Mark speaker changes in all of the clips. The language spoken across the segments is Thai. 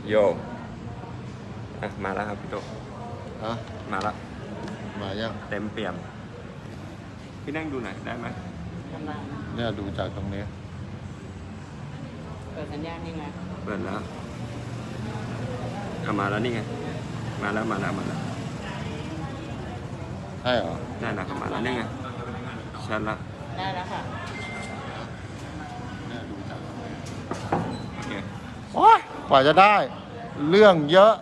Speaker 1: โยมาแล้วครับพี่โต
Speaker 2: ฮะ
Speaker 1: มาแล้ว
Speaker 2: มายัง
Speaker 1: เต็มเปี่ยมพี่นั่งดูหน่อยได้ไหม
Speaker 2: เนี่ยดูจากตรงนี้
Speaker 3: เปิดสัญญาณยังไง
Speaker 1: เปิดแล้วมาแล้วนี่ไงมาแล้ว
Speaker 2: ใช่เหรอ
Speaker 1: ได้แล้วมาแล้วนี่ไงชัดละ
Speaker 3: ได้แล้วค่ะ
Speaker 2: เนี่ยดูจาก
Speaker 1: โอเค
Speaker 2: โอ๊ยกว่าจะได้เรื่องเยอะ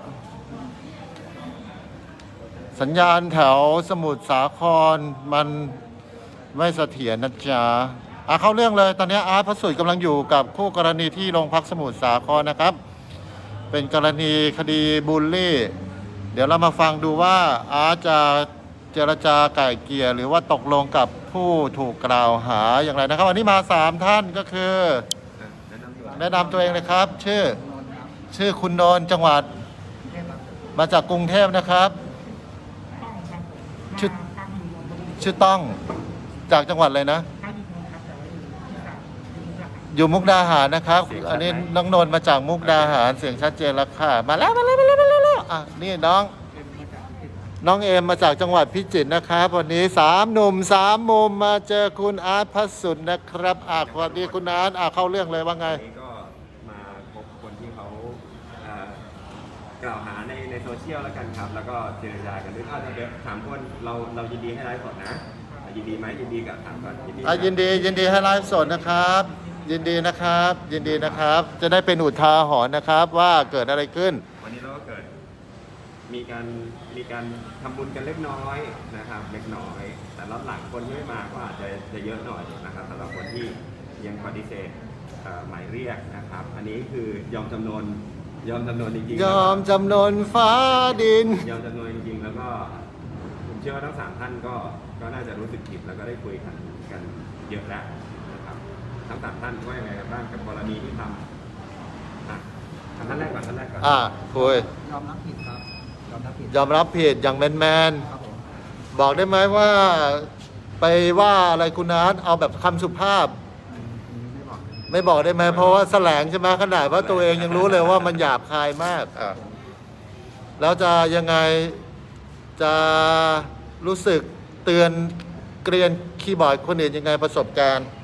Speaker 2: สัญญาณแถวสมุทรสาครมันไม่เสถียรนะจ๊ะเข้าเรื่องเลยตอนนี้อาร์ตพระสุดกำลังอยู่กับคู่กรณีที่โรงพักสมุทรสาครนะครับเป็นกรณีคดีบูลลี่เดี๋ยวเรามาฟังดูว่าอาร์ตจะเจรจาไก่เกลี่ยหรือว่าตกลงกับผู้ถูกกล่าวหาอย่างไรนะครับวันนี้มา3ท่านก็คือแนะนำตัวเองเลยครับชื่อคุณนนท์จังหวัดมาจากกรุงเทพนะครับชื่อต้องจากจังหวัดอะไรนะอยู่มุกดาหารนะครับอันนี้น้องนนท์มาจากมุกดาหารเสียงชัดเจนแล้วค่ะมาแล้วนี่น้องเอมมาจากจังหวัดพิจิตรนะครับวันนี้3 หนุ่ม 3 มุมมาเจอคุณอาร์ตพัสสุดนะครับสวัสดีคุณอาร์ตเข้าเรื่องเลยว่าไง
Speaker 1: ก็มาพบคนที่เขากล่าวหาในโซเชียลแล้วกันครับแล้วก็เจรจากันด้วยถ้าจะถามคนเรายินดีให้ไลฟ์สดนะยินดีไหมยินดีกับถามก่อนยิ
Speaker 2: นดีให้ไลฟ์สดนะครับยินดีนะครับจะได้เป็นอุทาหรณ์นะครับว่าเกิดอะไรขึ้น
Speaker 1: วันนี้เราก็เกิดมีการทำบุญกันเล็กน้อยนะครับเล็กน้อยแต่รอบหลังคนที่ไม่มาก็อาจจะเยอะหน่อยนะครับสำหรับคนที่ยังปฏิเสธหมายเรียกนะครับอันนี้คือยอมจำนนจริงๆ
Speaker 2: ยอมจำนนฟ้าดิน
Speaker 1: ยอมจำนนจริงๆแล้วก็ผมเชื่อว่าทั้ง3 ท่านก็น่าจะรู้สึกผิดแล้วก็ได้คุยกันเยอะแล้วนะครับทั้ง3 ท่านว่ายังไงกันบ้างกับกรณีที่ทำท่านแรกก่อน
Speaker 2: คุย
Speaker 3: ยอมรับผิดครับ
Speaker 2: ยอมรับผิดอย่างแมนบอกได้ไหมว่าไปว่าอะไรคุณนัทเอาแบบคำสุภาพไม่บอกได้ไหมเพราะว่าแสลงใช่ไหมขนาดว่าตัวเองยังรู้เลยว่ามันหยาบคายมากแล้วจะยังไงจะรู้สึกเตือนเกรียนคีย์บอร์ดคนอื่นยังไงประสบการณ์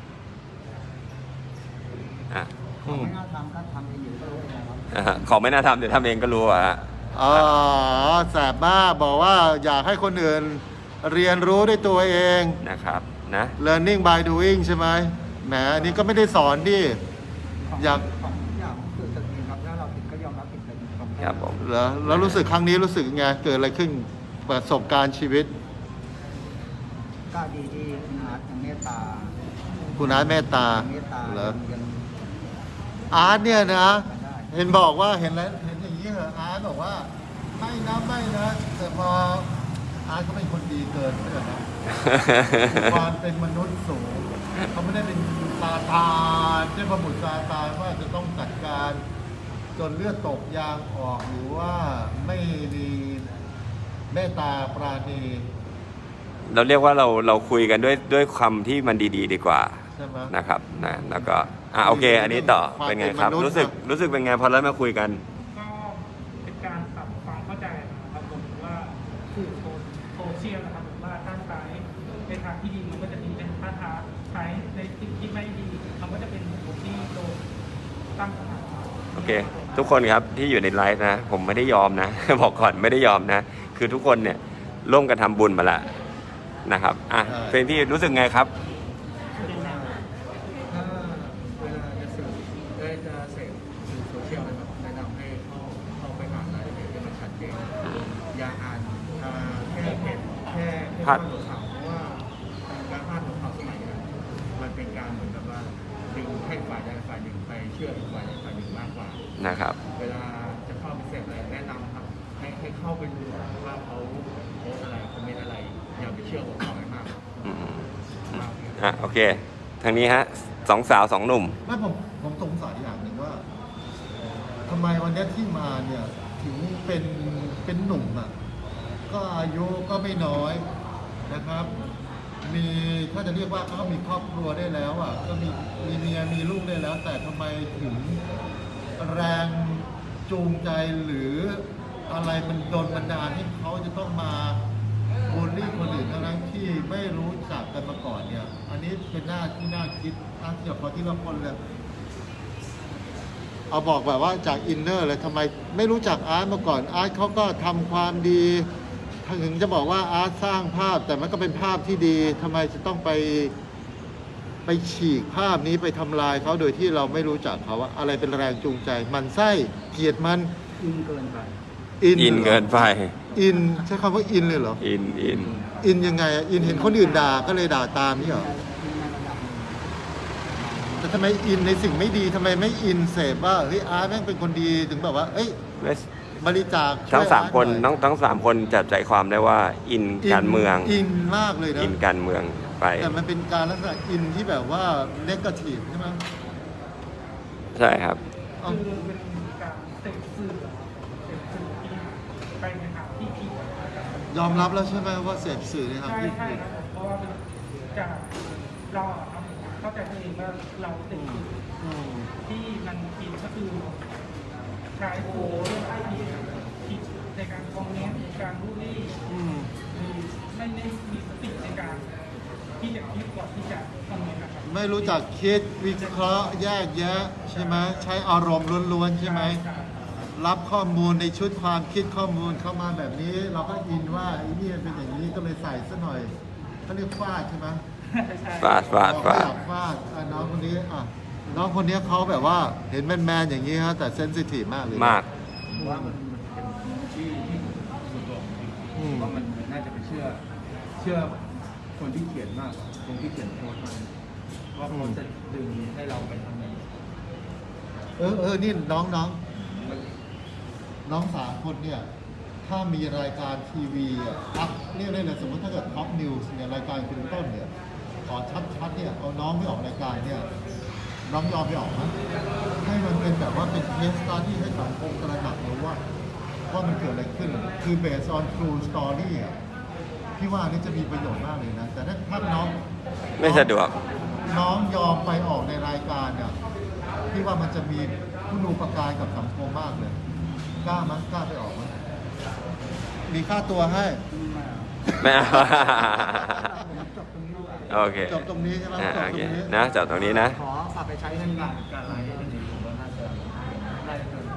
Speaker 3: ไม่น่าทำก็ทำเองอยู่ก็รู้เอง
Speaker 1: ครับของไม่น่าทำเดี๋ยวทำเองก็รู้
Speaker 2: แสบมากบอกว่าอยากให้คนอื่นเรียนรู้ด้วยตัวเอง
Speaker 1: นะครับนะ
Speaker 2: learning by doing ใช่ไหมแหมอันนี้ก็ไม่ได้สอนดิอยาก
Speaker 3: คือจะมีครับถ้าเราผิดก็ยอมรับผิดเลย
Speaker 1: ครับผม
Speaker 2: แล้วรู้สึกครั้งนี้รู้สึกไงเกิดอะไรขึ้นประสบการณ์ชีวิต
Speaker 3: ก็ดีที่คุณอาร์ตเมตตา
Speaker 2: เมตตาเหรออาร์ตเนี่ยนะเห็นบอกว่าเห็นอย่างนี้เหรออาร์ตบอกว่าไม่นะแต่พออาร์ตก็เป็นคนดีเกินไปแล้วนะความเป็นมนุษย์สูงเขาไม่ได้เป็นซาตานเทพบุตรซาตานว่าจะต้องจัดการจนเลือดตกยางออกหรือว่าไม่มีเมตตาปราณี
Speaker 1: เราเรียกว่าเราคุยกันด้วยคำที่มันดีๆดีกว่านะครับนะแล้วก็โอเคอันนี้ต่อเป็นไงครับรู้สึกเป็นไงพอแล้วมาคุยกัน
Speaker 4: ก็เป็นการปรับความเข้าใจนะครับผมว่าสื่อโซเชียลนะครับผมว่าถ้าใช้ในทางที่ดีมันก็จะดีถ้าใช้ในสิ่งที่ไม่ดีมันก็จะเป็นบุคคลที่โดนตั้งคำถาม
Speaker 1: โอเคทุกคนครับที่อยู่ในไลฟ์นะผมไม่ได้ยอมนะบอกก่อนไม่ได้ยอมนะคือทุกคนเนี่ยร่วมกันทำบุญมาละนะครับเฟรนพี่รู้สึกไงครับ
Speaker 3: โซเชียลนะครับแนะนำให้เข้าไปอ่านรายละเอียดให้มันชัดเจนอย่าอ่านแค่เพจแค่พาดหัวข่าวเพราะว่าการพาดหัวข่าวสมัยนี้มันเป็นการเหมือนกับว่าดึงให้ฝ่ายใดฝ่ายหนึ่งไปเชื่ออีกฝ่ายใดฝ่ายหนึ่งมากกว่า
Speaker 1: นะครับ
Speaker 3: เวลาจะเข้าไปเสพอะไรแนะนำครับให้เข้าไปดูว่าเขาโพสอะไรคอมเมนต์อะไรอย่าไปเชื่อหัวข่าวมาก
Speaker 1: โอเคทางนี้ฮะ2 สาว 2 หนุ่ม
Speaker 2: ไม่ผมสงสัยอย่างหนึ่งว่าทำไมวันนี้ที่มาเนี่ยถึงเป็นหนุ่มก็อายุก็ไม่น้อยนะครับมีถ้าจะเรียกว่าเขามีครอบครัวได้แล้วก็มีเมียมีลูกได้แล้วแต่ทำไมถึงแรงจูงใจหรืออะไรมันโดนบันดาลให้เขาจะต้องมาบูลลี่คนอื่นทั้งที่ไม่รู้จักกันมาก่อนเนี่ย อันนี้เป็นหน้าที่น่าคิดเดี๋ยวขอที่ละคนเลยเอาบอกแบบว่าจากอินเนอร์เลยทำไมไม่รู้จักอาร์ตมาก่อนอาร์ตเขาก็ทำความดีถึงจะบอกว่าอาร์ตสร้างภาพแต่มันก็เป็นภาพที่ดีทำไมจะต้องไปฉีกภาพนี้ไปทำลายเขาโดยที่เราไม่รู้จักเขาว่าอะไรเป็นแรงจูงใจมันไส้เกลียดมัน
Speaker 3: อินเกินไป
Speaker 1: อินเกินไป
Speaker 2: อินใช้คำว่าอินเลยเหรอ
Speaker 1: อิน
Speaker 2: อินยังไงอินเห็นคนอื่นด่าก็เลยด่าตามนี่เหรอแต่ทำไมอินในสิ่งไม่ดีทำไมไม่อินเสพว่าเฮ้ยอาร์ตแม่งเป็นคนดีถึงแบบว่าเอ้ยบริจาค
Speaker 1: ทั้งสามคน
Speaker 2: ช่วยอาร์ตหน่อย
Speaker 1: ทั้งสามคนจับใจความได้ว่าอินการเมือง
Speaker 2: อินมากเลยนะ
Speaker 1: อินการเมืองไป
Speaker 2: แต่มันเป็นการลักษณะอินที่แบบว่าเนกาทีฟใช่ไหม
Speaker 1: ใช่ครับ
Speaker 2: เอา
Speaker 4: คือเป็นการเสพสื่อที่ไปในทางที่ผิดนะครับ
Speaker 2: ยอมรับแล้วใช่ไหมว่าเสพสื่อในทาง
Speaker 4: ใช่
Speaker 2: ที่
Speaker 4: ใช่
Speaker 2: ผิด
Speaker 4: ครับผมเพราะว่าเป็นจากเราอะครับเข้าใจตัวเองว่าเราเสพสื่อ
Speaker 2: อืม
Speaker 4: ที่มันผิดก็คือใช้โพสต์ผิดในการคอมเมนต์การบูลลี่
Speaker 2: อืม
Speaker 4: คือไม่ได้มีสติในการที่จะคิดก่อนที่จะคอมเมนต์นะครับ
Speaker 2: ไม่รู้จักคิดวิเคราะห์แยกแยะใช่ไหมใช้อารมณ์ล้วนๆใช่ไหมรับข้อมูลในชุดความคิดข้อมูลเข้ามาแบบนี้ เราก็อินว่าไอ้นี่มันเป็นอย่างนี้ก็เลยใส่ซะหน่อยเขาเรียกฟาดใช่ไหม
Speaker 1: ฟาด
Speaker 2: เราก็อยากฟาดน้องคนนี้น้องคนนี้เขาแบบว่าเห็นแมนๆอย่างนี้ฮะแต่เซนซิทีฟมากเลย
Speaker 1: มาก
Speaker 3: ผมว่ามันเป็นที่ส่วนตัวผมเองผมว่ามันน่าจะไปเชื่อคนที่เขียนมากกว่าคนที่เขียนโพสต์มาว่าเขาจะดึงให้เราไปทำอะไร
Speaker 2: นี่น้องสามคนเนี่ยถ้ามีรายการทีวีเรียกได้เลยสมมติถ้าเกิดท็อปนิวส์เนี่ยรายการคุณต้นเนี่ยขอชัดๆเนี่ยเอาน้องไปออกรายการเนี่ยน้องยอมไปออกไหมให้มันเป็นแบบว่าเป็นเคสสตั๊ดดี้ให้สังคมตระหนักรู้ว่ามันเกิดอะไรขึ้นคือ based on true story พี่ว่านี่จะมีประโยชน์มากเลยนะแต่ถ้าน้อง
Speaker 1: ไม่สะดวก
Speaker 2: น้องยอมไปออกในรายการเนี่ยพี่ว่ามันจะมีคุณูปการกับสังคมมากเลยกล้ามั้ยกล้าไปออกมั้ยมีค่าตัวให้
Speaker 1: ไม่เอา โอเค
Speaker 2: จบตรงนี้ใช่ไหม
Speaker 1: โอ
Speaker 2: จบต
Speaker 1: เค
Speaker 2: รงนี้
Speaker 1: นะจบตรงนี้นะ
Speaker 3: ขอฝากไปใช้ในการไลฟ์จริงๆผมว่าน่าจะได้เกิน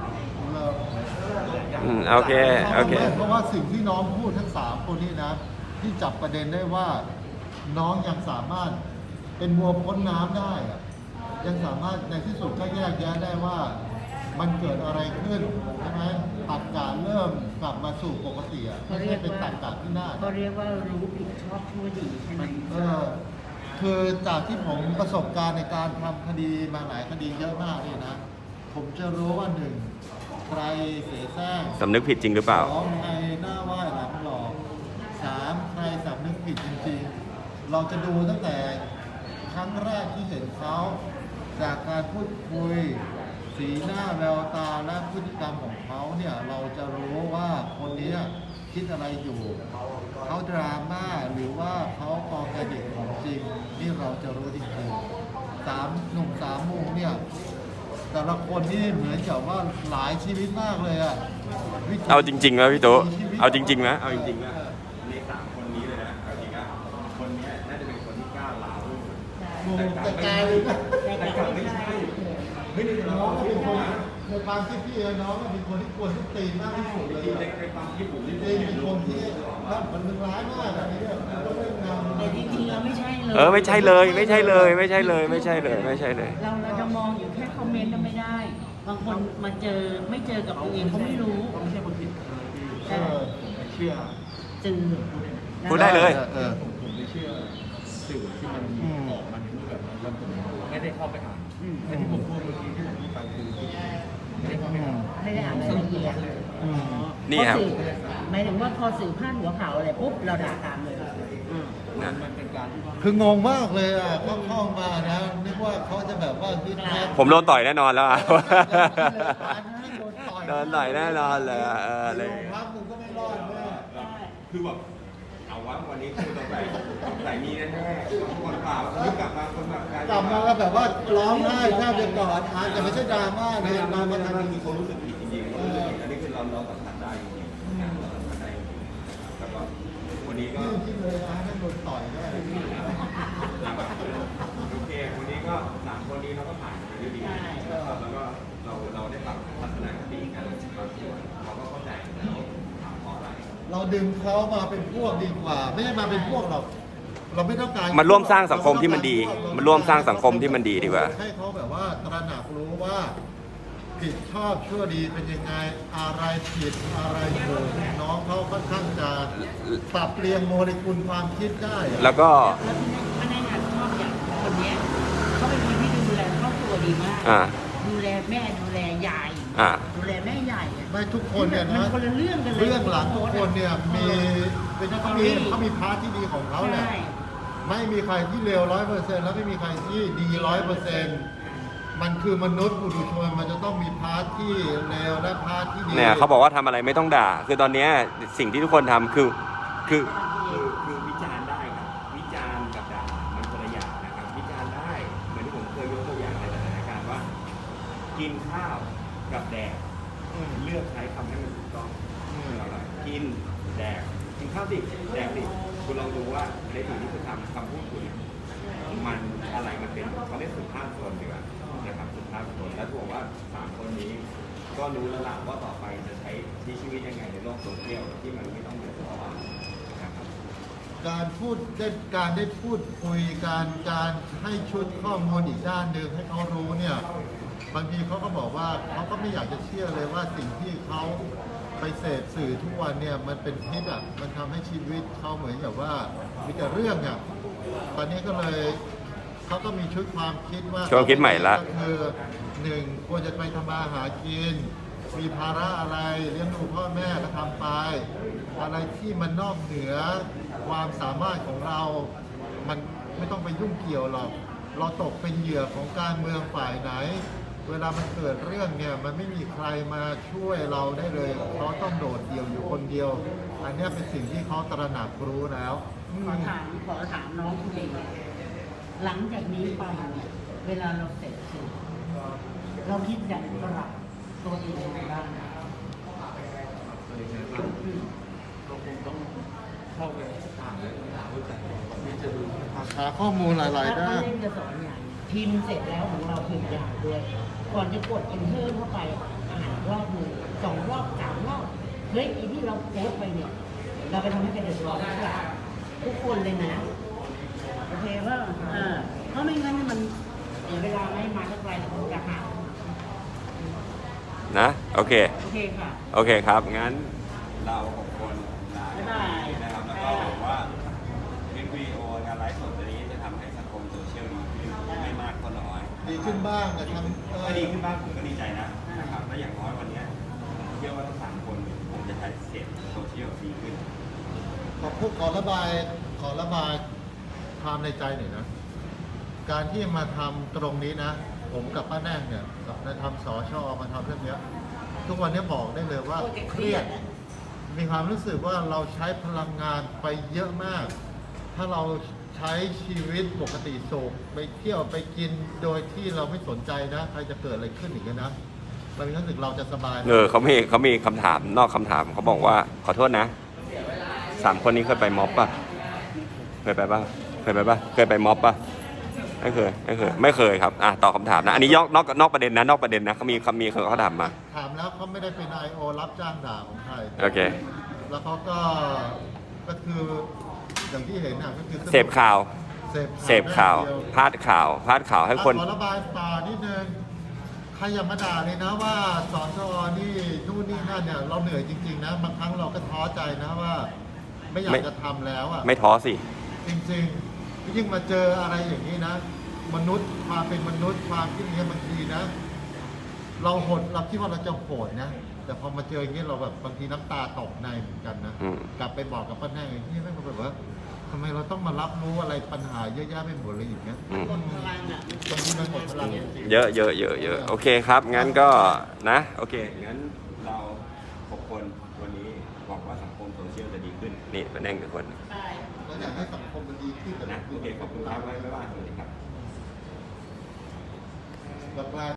Speaker 1: โอเค โอเค
Speaker 2: เพราะว่าสิ่งที่น้องพูดทั้งสามคนนี้นะที่จับประเด็นได้ว่าน้องยังสามารถเป็นวัวพ้นน้ำได้อะยังสามารถในที่สุดก็แยกแยะได้ว่ามันเกิดอะไรขึ้นใช่ไหมตัดการเริ่มกลับมาสู่ปกติอ่ะไม่ใช่เป็นตัดการที่น่า
Speaker 5: เขาเรียกว่ารู้ผิดชอบชั่วดีใช่ไหม
Speaker 2: คือจากที่ผมประสบการณ์ในการทำคดีมาหลายคดีเยอะมากเนี่ยนะ ผมจะรู้ว่าหนึ่งใครเสียแซง
Speaker 1: สำนึกผิดจริงหรือเปล่า
Speaker 2: สองใครหน้าไหว้หลังหลอกสามใครสำนึกผิดจริงๆ เราจะดูตั้งแต่ครั้งแรกที่เห็นเขาจากการพูดคุย สีหน้าแววตาและพฤติกรรมของเขาเนี่ยเราจะรู้ว่าคนนี้คิดอะไรอยู่ เขาดราม่าหรือว่าเขาออร์แกนิกของจริง นี่เราจะรู้จริงๆหนุ่มสามมุมเนี่ยแต่ละคนนี่เหมือนกับว่าหลายชีวิตมากเลยอะวิถี
Speaker 1: เอาจริงๆไหมพี่ตุ๊
Speaker 2: ชีวิต
Speaker 1: เอาจริงๆไหมเอาจริงๆนะในสามคนนี้เลยนะเอาจริงอ่ะคนนี้น่าจะเป็นคนที่กล้าลาลูก
Speaker 2: แต่กลายแต่กลับไม่ใช่เฮ้ยน้องเป็นคนในความคิดพี่น้องเป็นคนที่กวนทุกตีนมากที่สุดเลยอะ
Speaker 1: ในความคิดผม
Speaker 2: จริงๆเป็นคนที่มันร้ายมากแบบนี้เนี่ยมันต้องเล่นงาน
Speaker 5: แต่จริงๆเราไม่ใช่เลย
Speaker 1: ไม่ใช่เลย ไม่ใช่เลย ไม่ใช่เลย ไม่ใช่เลย ไม่ใช่เลย
Speaker 5: เราจะมองอยู่แค่คอมเมนต์ก็ไม่ได้ บางคนมาเจอไม่เจอกับตัวเองเขาไม่รู้
Speaker 3: เขาไม่ใช่คนผิดเลยพี่
Speaker 2: เออ
Speaker 3: ผมไปเชื่อ
Speaker 5: จืด
Speaker 1: พูดได้เลย
Speaker 3: ผมไปเชื่อสื่อที่มันออกมาในรูปแบบนั้นแล้วผมไม่ได้เข้าไปอ่านไอ้ที่ผมพูดเมื่อกี้ที่ผมพูดไปคือไม่ได้เข้าไปอ่าน
Speaker 5: ไม่ได้อ่านรายละเอียด
Speaker 1: นี่ครับ
Speaker 5: พอสื่อหมายถึงว่าพอสื่อพาดหัวข่าวอะไรปุ๊บเราด่าตามเลย
Speaker 3: มันเป็นการที่ว่า
Speaker 2: คืองงมากเลยอ่ะเขาเข้ามานะนึกว่าเขาจะแบบว่าคิดแค่
Speaker 1: ผมโดนต่อยแน่นอนแล้วอะ
Speaker 2: โดนต่อย
Speaker 1: โดนต่อยแน่นอนเลยอะเลย
Speaker 2: โรงพักมึงก็ไม่รอดแน่
Speaker 1: คือแบบเอาว่าวันนี้คือต้องใส่มีแน่ๆคนเปล่าวันนี้กลับมาคนแบบ
Speaker 2: กลับมาแบบว่าร้องไห้แทบจะกอดอาร์ตแต่ไม่ใช่ดราม่า
Speaker 1: ไม่
Speaker 2: นะ
Speaker 1: ไม่
Speaker 2: มา
Speaker 1: ไม่
Speaker 2: ทำ
Speaker 1: มันมีคนรู้สึกผิดจริงๆอันนี้คือเราสัมผัสได้จริงๆเราสัมผัสได้จริงๆแล้วก็วันนี้ก็
Speaker 2: ที่เลยอาร์ตนั่นโดนต่อยแน่
Speaker 1: โอเควันนี้ก็3คนนี้เราก็ผ่านไปด้วยดีนะครับแล้วก็เราได้ปรับทัศนคติกันบางส่วนเขาก็เข้าใจแล้วถามเพราะอะไร
Speaker 2: เราดึงเขามาเป็นพวกดีกว่า ไม่ใช่มาเป็นพวกหรอกเราไม่ต้องการ
Speaker 1: มันร่วมสร้างสังคมที่มันดีมันร่วมสร้างสังคมที่มันดีดีกว่า
Speaker 2: ให้เขาแบบว่าตระหนักรู้ว่าผิดชอบชั่วดีเป็นยังไงอะไรผิดอะไรถูกน้องเขาค่อนข้างจะปรับเปลี่ยนโมเลกุลความคิดได้อะ
Speaker 1: แล้วก็
Speaker 5: แล้วที่แน่นชอบอย่างคนเนี้ยเขาเป็นคนที่ดูแลครอบครัวดีมาก ดูแลแม่ดูแลยายดูแลแม่ใหญ่อะ
Speaker 2: ไม่ทุกคนเนี่ย
Speaker 5: มั
Speaker 2: นะ
Speaker 5: คนละเรื่องกันเลย
Speaker 2: เรื่องหลังทุกคนเนี่ยมีเป็นเขามีพาร์ทที่ดีของเขาแหละ
Speaker 5: ใช่
Speaker 2: ไม่มีใครที่เลว100%แล้วไม่มีใครที่ดี100%มันคือมนุษย์ปุถุชนมันจะต้องมีพาร์ทที่เลวและพาร์ทที่ดี
Speaker 1: เนี่ยเขาบอกว่าทำอะไรไม่ต้องด่า คือตอนเนี้ยสิ่งที่ทุกคนทำคือวิจารณ์ได้ครับวิจารณ์กับด่ามันคนละอย่างนะครับวิจารณ์ได้เหมือนที่ผมเคยยกตัวอย่างในสถานการณ์ว่า กินข้าวกับแดกเลือกใช้คำให้มันถูกต้องอะไรกินแดกกินข้าวดิแดกดิคุณลองดูว่าในสิ่งที่คุณทำคำพูดคุณมันอะไรมันเป็นเขาเรียกสุภาพชนดีกว่านะครับสุภาพชนแล้วบอกว่า3คนนี้ ก็รู้แล้วล่ะว่าต่อไปจะใช้ชีวิตยังไงในโลกโซเชียลที่มันไม่ต้องเดือดร้อนนะครับ
Speaker 2: การได้พูดคุยการให้ชุดข้อมูลอีกด้านหนึ่งให้เขารู้เนี่ยบางทีเขาก็บอกว่าเขาก็ไม่อยากจะเชื่อเลยว่าสิ่งที่เขาไปเสพสื่อทุกวันเนี่ยมันเป็นพิษอ่ะมันทำให้ชีวิตเขาเหมือนกับว่ามีแต่เรื่องอ่ะตอนนี้ก็เลยเขาก็มีชุดความคิดว่า
Speaker 1: ชุดความคิดใหม่ละ
Speaker 2: ก็คือ1ควรจะไปทำมาหากิน มีภาระอะไรเลี้ยงดูพ่อแม่ก็ทำไป อะไรที่มันนอกเหนือความสามารถของเรา มันไม่ต้องไปยุ่งเกี่ยวหรอก เราตกเป็นเหยื่อของการเมืองฝ่ายไหน เวลามันเกิดเรื่องเนี่ยมันไม่มีใครมาช่วยเราได้เลยเขาต้องโดดเดี่ยวอยู่คนเดียว อันเนี้ยเป็นสิ่งที่เขาตระหนักรู้แล้วอืม
Speaker 5: ขอถามน้องคุณเองหลังจากนี้ไปเนี่ยเวลาเราเสร็จสื่อเราคิดอยากปรับตัวเองยังไงบ้าง
Speaker 3: ก็คงต้องเข้าไปอ่านและหาเข้าใจที่จะดูนะครับ
Speaker 2: หาข้อมูลหลายๆด้าน
Speaker 5: เล่นจะสอนอย่างพิมพ์เสร็จแล้วของเราพิมพ์ยาวด้วย ก่อนจะกด enter เข้าไปอ่านรอบหนึ่ง2 รอบ 3 รอบเฮ้ยอีที่เราโพสต์ไปเนี่ย เราไปทำให้ใครเดือดร้อนหรือเปล่าทุกคนเลยนะ โอเคว่าเพราะไม่งั้นมันเสียเวลาไม่มาสักไกลแต่คงจะหา
Speaker 1: นะโอเค
Speaker 5: โอเคค่ะ
Speaker 1: โอเคครับ งั้นเรา6คนลา
Speaker 5: บ๊ายบาย
Speaker 1: นะครับแล้วก็หวังว่าคลิปวิดีโอการไลฟ์สดนี้จะทำให้สังคมโซเชียลดีขึ้นไม่มากก็น้อย
Speaker 2: ดีขึ้นบ้างแต่ทำ
Speaker 1: ถ้าดีขึ้นบ้างผมก็ดีใจนะครับและอย่างน้อยวันนี้เชื่อว่าทั้ง3คนคงจะใช้เสพโซเชียลดีขึ้น
Speaker 2: ขอระบายความในใจหน่อยนะ การที่มาทำตรงนี้นะ ผมกับป้าแน่งเนี่ยมาทำสชมาทำเรื่องเนี้ย ทุกวันนี้บอกได้เลยว่าเครียด มีความรู้สึกว่าเราใช้พลังงานไปเยอะมาก ถ้าเราใช้ชีวิตปกติสุขไปเที่ยวไปกินโดยที่เราไม่สนใจนะ ใครจะเกิดอะไรขึ้นอีกนะเรามีความรู้สึกเราจะสบาย
Speaker 1: เขามีคำถามนอกคำถามเขาบอกว่าขอโทษนะ3คนนี้เคยไปม็อบป่ะเคยไปป่ะเคยไปม็อบป่ะไม่เคยครับตอบคำถามนะอันนี้นอกประเด็นนะนอกประเด็นนะเขาถามมา
Speaker 2: ถามแล้วเขาไม่ได้เป็น I.O. รับจ้างด่าของใคร
Speaker 1: โอเค
Speaker 2: แล้วเขาก็คืออย่างที่เห็นก็คือ
Speaker 1: เสพข่าว
Speaker 2: เสพข่าว
Speaker 1: พาดข่าวให้คน
Speaker 2: ขอระบายต่อนิดนึงใครอย่ามาด่าเลยนะว่าสอนอนี่นู่นนี่นั่นเนี่ยเราเหนื่อยจริงๆนะบางครั้งเราก็ท้อใจนะว่า ไม่อยากจะทำแล้วอ่ะ
Speaker 1: ไม่ท้อสิ
Speaker 2: จริงๆยิ่งมาเจออะไรอย่างนี้นะ มนุษย์ความเป็นมนุษย์ความคิดนี้บางทีนะ เราคิดว่าเราจะโหดนะ แต่พอมาเจออย่างนี้เราแบบบางทีน้ำตาตกในเหมือนกันนะ กลับไปบอกกับป้าแน่อย่างนี้ไม่แบบว่าทำไมเราต้องมารับรู้อะไรปัญหาเยอะแยะไปหมดเลยอย่างเงี้ย
Speaker 5: กดพลังอ่ะ
Speaker 2: บางทีมันหมดพลัง
Speaker 1: เยอะโอเคครับ งั้นก็นะโอเคงั้นเรา6คนวันนี้หวังว่าสังคมโซเชียลจะดีขึ้นนี่เป็นแน่ง1คน
Speaker 5: ใช่
Speaker 2: อยากให้สังคมมันดีขึ้น
Speaker 1: นะโอเคขอบคุณครับไว้ไม่ว่าสวัสดีครับ
Speaker 2: แล้ว